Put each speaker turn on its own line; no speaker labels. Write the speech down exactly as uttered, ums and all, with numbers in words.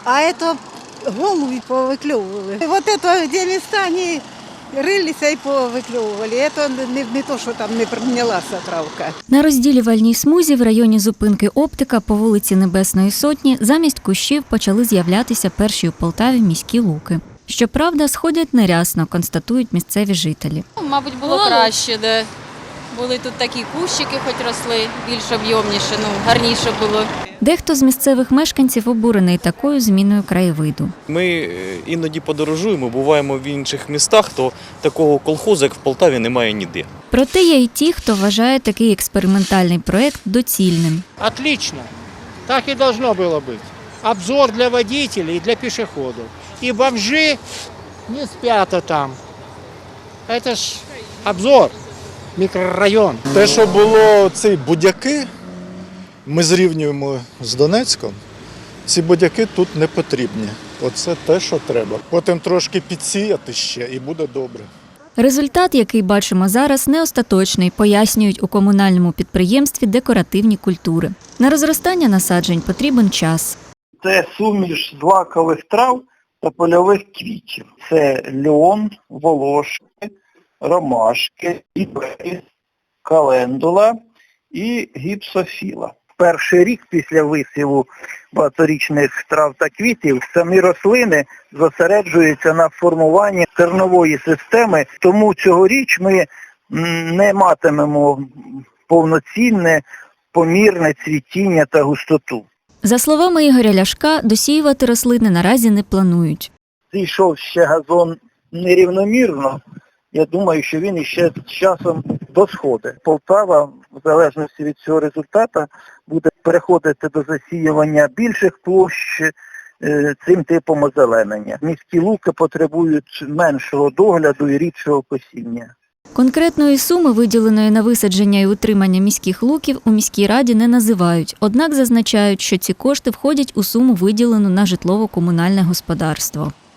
а это голуби повыклевывали. И вот это, где места, они рылися і повикльовували. Це не, не то, що там не прийнялася травка.
На розділювальній смузі в районі зупинки «Оптика» по вулиці Небесної Сотні замість кущів почали з'являтися перші у Полтаві міські луки. Щоправда, сходять нерясно, констатують місцеві жителі.
Мабуть, було краще, де були тут такі кущики, хоч росли, більш об'ємніше, ну, гарніше було.
Дехто з місцевих мешканців обурений такою зміною краєвиду.
Ми іноді подорожуємо, буваємо в інших містах, то такого колхозу, як в Полтаві, немає ніде.
Проте є й ті, хто вважає такий експериментальний проєкт доцільним.
Отлично. Так и должно было быть. Обзор для водителей и для пешеходов. И бомжи не спят там. Это ж обзор, мікрорайон.
Те, що було ці будяки, ми зрівнюємо з Донецьком, ці будяки тут не потрібні. Оце те, що треба. Потім трошки підсіяти ще і буде добре.
Результат, який бачимо зараз, не остаточний, пояснюють у комунальному підприємстві «Декоративні культури». На розростання насаджень потрібен час.
Це суміш злакових трав та польових квітів. Це льон, волошки, ромашки, іберіс, календула і гіпсофіла. Перший рік після висіву багаторічних трав та квітів самі рослини зосереджуються на формуванні кореневої системи, тому цьогоріч ми не матимемо повноцінне, помірне цвітіння та густоту.
За словами Ігоря Ляшка, досіювати рослини наразі не планують.
Зійшов ще газон нерівномірно. Я думаю, що він іще з часом досходить. Полтава, в залежності від цього результату, буде переходити до засіювання більших площ е, цим типом озеленення. Міські луки потребують меншого догляду і рідшого косіння.
Конкретної суми, виділеної на висадження і утримання міських луків, у міській раді не називають, однак зазначають, що ці кошти входять у суму, виділену на житлово-комунальне господарство.